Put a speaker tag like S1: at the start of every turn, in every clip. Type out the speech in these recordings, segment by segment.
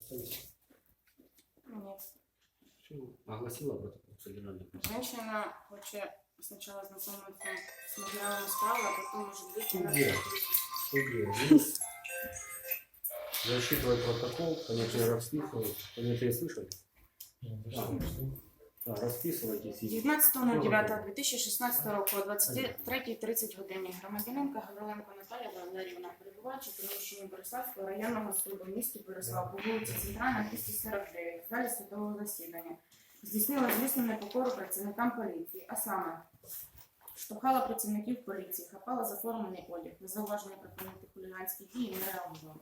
S1: Нет.
S2: Огласила протокол содержания.
S1: Женщина хочет сначала знакомиться с материалом справа, а потом, может быть, она
S2: Судья. Судья. Здесь засчитывает протокол, понятие расписывает. Понятие слышали? Да, расписывайтесь.
S1: 19.09.2016 року о 23:30 годині громадянинка Гавриленко Наталія Валеріївна, перебуваючи в приміщенні Бориславського районного суду в місті Борислав по вулиці Центральна, 249, в залі судового засідання, здійснила злісну непокору працівникам поліції, а саме штовхала працівників поліції, хапала за формений одяг, на зауваження припинити хуліганські дії не реагувала.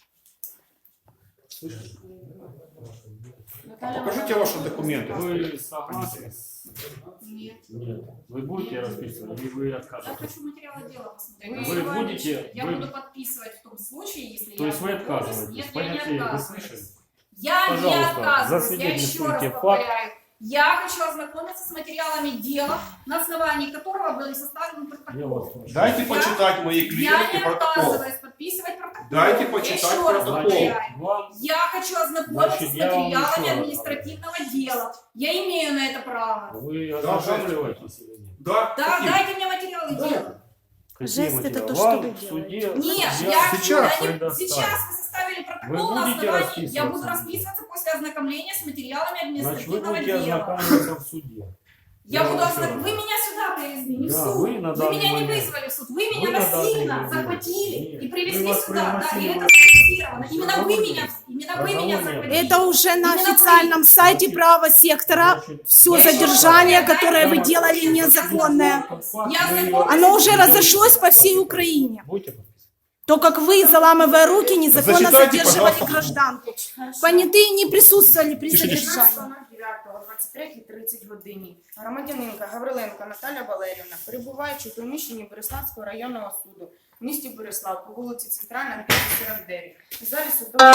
S3: Покажите ваши документы.
S2: Вы согласны?
S1: Нет.
S2: Нет. Вы будете расписывать или вы
S4: Я
S2: откажетесь?
S4: хочу материалы дела посмотреть.
S2: Вы будете-
S4: Я
S2: вы-
S4: буду подписывать в том случае, если
S2: То
S4: я...
S2: есть вы отказываетесь?
S4: Нет, я не
S2: Понятие вы
S4: отказываюсь.
S2: слышали?
S4: Я не
S2: Пожалуйста,
S4: отказываюсь. Я еще
S2: засвидетельствуйте
S4: раз
S2: факт.
S4: повторяю. Я хочу ознакомиться с материалами дела, на основании которого были составлены
S2: Я
S4: протоколы.
S2: вас прошу.
S3: Дайте почитать мои
S4: Я
S3: клиенты
S4: не
S3: протокол.
S4: отказываюсь подписывать протокол.
S3: Дайте
S4: Я
S3: почитать
S4: еще раз
S3: протокол.
S4: повторяю.
S2: Вам
S4: Я хочу ознакомиться
S2: Значит,
S4: с
S2: я вам
S4: материалами
S2: еще раз
S4: административного дела. Я имею на это право.
S2: вы ознакомливаетесь или нет?
S3: Да?
S4: Да,
S3: Какие?
S4: дайте мне материалы дела.
S2: Какие
S5: Жесть, это
S2: материалы?
S5: то, что
S2: Вам
S5: вы
S2: в суде
S4: Нет,
S3: Сейчас
S4: сейчас
S2: предоставлю.
S4: вы составили
S2: Вы
S4: протокол на
S2: будете
S4: основании, я буду
S2: расписываться?
S4: расписываться после ознакомления с материалами
S2: Значит, вы
S4: административного
S2: будете
S4: дела.
S2: ознакомиться в суде.
S4: Я буду
S2: еще
S4: ознакомиться.
S2: раз.
S4: Вы меня сюда привезли, не в
S2: Да,
S4: суд.
S2: вы на
S4: Вы
S2: данный
S4: меня не
S2: момент-
S4: вызвали в суд. Вы меня
S2: на данный
S4: насильно
S2: момент-
S4: захватили
S2: Нет,
S4: и привезли
S2: мы вас
S4: сюда. Да, и
S2: пригласили
S4: это
S2: в-
S4: зафиксировано. Именно вы
S2: Разговор
S4: меня,
S2: есть.
S4: именно вы меня
S2: Разговор
S4: захватили.
S2: есть.
S5: Это уже на
S4: Именно вы.
S5: официальном сайте права сектора.
S2: Значит,
S5: Все
S4: Я еще
S5: задержание,
S4: раз
S5: которое вы
S4: повторяю,
S5: делали,
S4: я
S5: незаконное.
S4: Я ознакомлюсь.
S5: Оно уже разошлось по всей Украине.
S2: Будете подписывать?
S5: То, как вы, заламывая руки, незаконно
S3: Зачитайте,
S5: задерживали
S3: пожалуйста,
S5: гражданку. Понятые не присутствовали при
S3: Тише, тише.
S5: задержании.
S1: 19.09.23:30 годині громадянинка Гавриленко Наталя Валеріївна, перебуваючи у приміщенні Бориславського районного суду в місті Борислав по вулиці Центральна, 249, у залі судового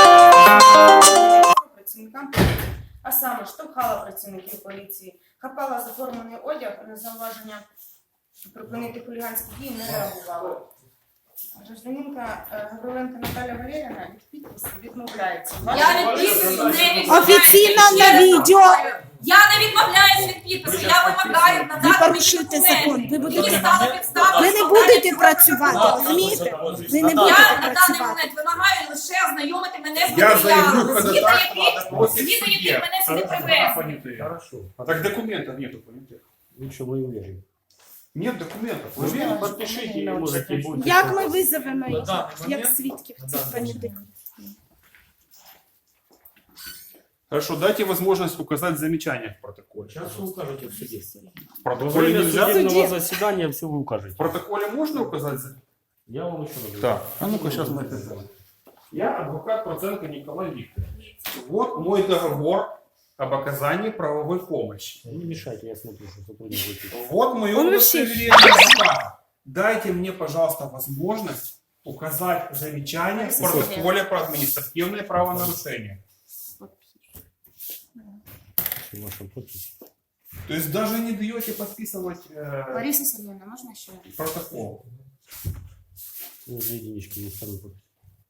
S1: працівникам поліції, а саме штовхала працівників поліції, хапала заформений одяг, на зауваження припинити хуліганські дії не реагувала. Гражданинка Гавриленко Наталя Валеріївна від підпису відмовляється.
S4: Я від підпису не відмовляюсь.
S5: Офіційно
S4: Я ще
S5: на
S4: раз
S5: відео.
S4: повторюю. Я не відмовляюсь від підпису. Я вимагаю надати мені
S5: порушуєте закон.
S4: документи.
S5: Ви будете-
S4: Мені стало підставою
S5: Ви не
S4: складання
S5: будете
S4: цього
S5: працювати,
S4: протоколу.
S5: розумієте? Ви не
S4: Я
S5: будете
S4: на даний
S5: працювати.
S4: момент вимагаю лише ознайомити мене з
S3: Я заявлю
S4: матеріалами,
S3: ходатайство на допросе в
S4: згідно яких
S3: суде.
S4: мене сюди привезли.
S3: Понятые.
S2: Хорошо.
S3: Так документов нету, понятых.
S2: Лучше вы уверены.
S3: Нет документов. Вы
S2: Вы
S3: уверены?
S2: подпишите и можете будете.
S5: Як ми визовемо їх,
S6: даний
S5: як
S6: момент-
S5: свідків цих понятих?
S3: Хорошо, дайте возможность указать замечания в протоколе.
S2: Сейчас вы укажете в суде.
S3: В
S2: Во
S3: протоколе
S2: время
S3: нельзя?
S2: судебного заседания все вы
S3: В
S2: укажете.
S3: протоколе можно указать?
S2: Я вам еще раз говорю.
S3: Так, а ну-ка сейчас мы это сделаем.
S2: Я адвокат Проценко Николай Викторович.
S3: Вот мой договор об оказании правовой помощи.
S2: Не мешайте, я смотрю, что сотрудничаете.
S3: Вот мое
S5: Он вообще-
S3: удостоверение адвоката. Дайте мне, пожалуйста, возможность указать замечания в протоколе про административное правонарушение.
S2: Ваша подпись.
S3: То есть даже не даете подписывать
S1: Лариса Сергеевна, можна ще?
S3: протокол?
S2: Ну, 2 единички, не вторую подпись.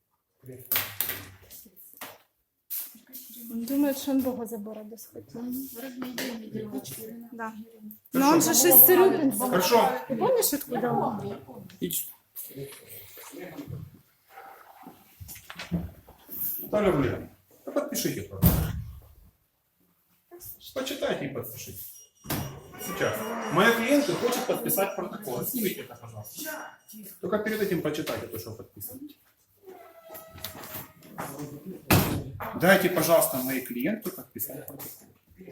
S5: Он думает, что он Бога за бороду схватил. Да. Но он же Шестерюбинск.
S3: Хорошо.
S5: Ты помнишь, откуда он?
S3: Наталья Валерьевна, ну подпишите протокол. Почитайте и подпишите. Сейчас. Моя клиентка хочет подписать протокол. Снимите это, пожалуйста. Только перед этим почитайте то, что подписываете. Дайте, пожалуйста, моей клиентке подписать протокол.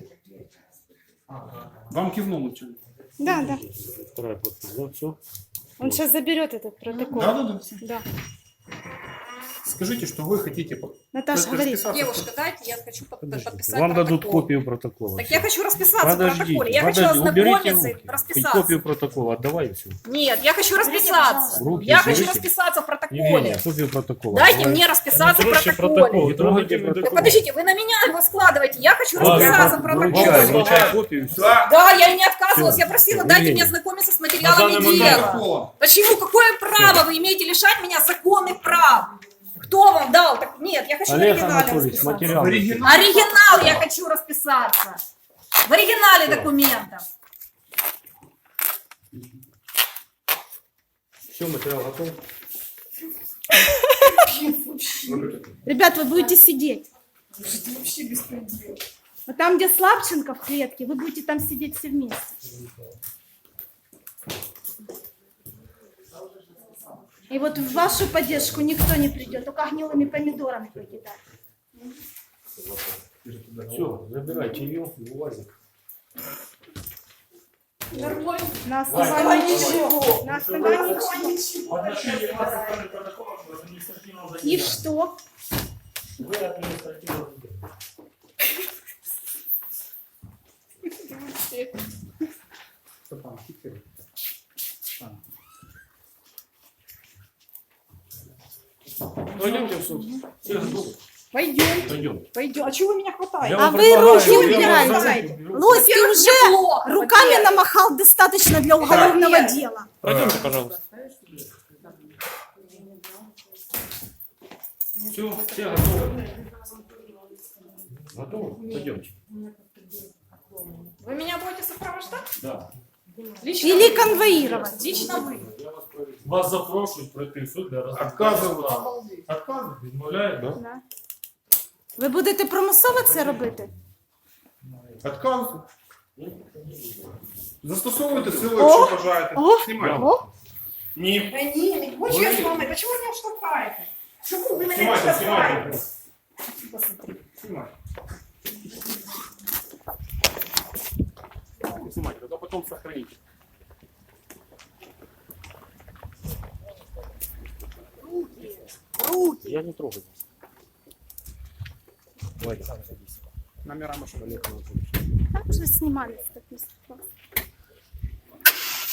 S3: Вам кивнул начальник.
S5: Да, да.
S2: Вторая подпись, да, все?
S5: Он сейчас заберет этот протокол.
S3: Да.
S5: Да.
S3: Скажите, что вы хотите
S5: Наташа, говори.
S3: расписаться.
S4: Девушка, дайте, я хочу подписать
S2: Вам дадут
S4: протокол.
S2: копию протокола.
S4: Так я хочу расписаться в
S2: Подождите,
S4: протоколе. Я хочу
S2: подожди, уберите
S4: ознакомиться и
S2: руки.
S4: расписаться.
S2: Копию протокола отдавай и все.
S4: Нет, я хочу расписаться.
S2: Руки
S4: Я хочу
S2: уберите.
S4: расписаться в протоколе.
S2: Евгения, копию протокола.
S4: Дайте
S2: Давай.
S4: мне расписаться в
S2: Трогайте
S4: протоколе.
S2: Не трогайте
S4: Так
S2: протокол.
S4: подождите, вы на меня его складываете. Я хочу
S2: Ладно,
S4: расписаться в
S2: вручай,
S4: протоколе.
S2: вручай копию и все.
S3: Да.
S4: Да, я и не отказывалась. Я просила,
S2: Всё,
S4: дайте
S2: Евгения.
S4: мне ознакомиться с
S2: На
S4: материалами
S2: данный момент
S4: дела.
S3: Протоколом.
S4: Почему? Какое право вы имеете лишать меня законных прав? Кто вам дал? Так нет, я хочу в
S2: Олег
S4: оригинале
S2: Анатольевич,
S4: расписаться.
S2: материал.
S4: Оригинал я хочу расписаться. В оригинале документов.
S2: Все, материал готов.
S5: Ребят, вы будете сидеть. Вот там, где Слабченко в клетке, вы будете там сидеть все вместе. И вот в вашу поддержку никто не придет, только гнилыми помидорами покидать.
S2: Все, забирайте ее в УАЗик.
S5: На основании чего? На основании чего? И что?
S2: Вы административно.
S3: Степан, фиксируй.
S2: Пойдемте в суд. Все готовы?
S4: Пойдем.
S2: Пойдем.
S4: Пойдем. А чего вы меня хватаете?
S2: Я
S5: А
S2: вам
S5: вы
S2: предлагаю,
S5: руки
S2: я
S5: убирайте.
S2: вам за руку беру.
S5: Лось, ты
S4: Во-первых,
S5: уже
S4: неплохо,
S5: руками
S4: во-первых.
S5: намахал достаточно для уголовного
S4: Во-первых.
S5: дела.
S2: Пройдемте, пожалуйста. Все готовы. Готовы? Пойдемте.
S4: Вы меня будете сопровождать?
S2: Да.
S4: Лично
S5: Или
S4: вы.
S5: конвоировать.
S4: Лично вы.
S6: Вас запрошують пройти в суд для розгляду
S3: Отказывают.
S6: справи.
S3: Отказывают.
S6: Відмовляють? Да?
S5: Да. Ви будете примусово це робити?
S3: Отказывают. Застосовуйте силу,
S5: О!
S3: якщо бажаєте.
S5: О!
S3: Знімайте.
S5: О,
S3: Ні.
S4: Да не, не хочешь я с вами? Почему вы меня штовхаете? Почему вы меня
S3: Знімайте,
S4: штовхаете?
S3: знімайте. Знімайте.
S2: Снимайте, тогда потом сохраните. Я не трогаю. Давайте, садись.
S3: Номера машины.
S2: Олег Анатольевич.
S5: там же снимались, так не страшно.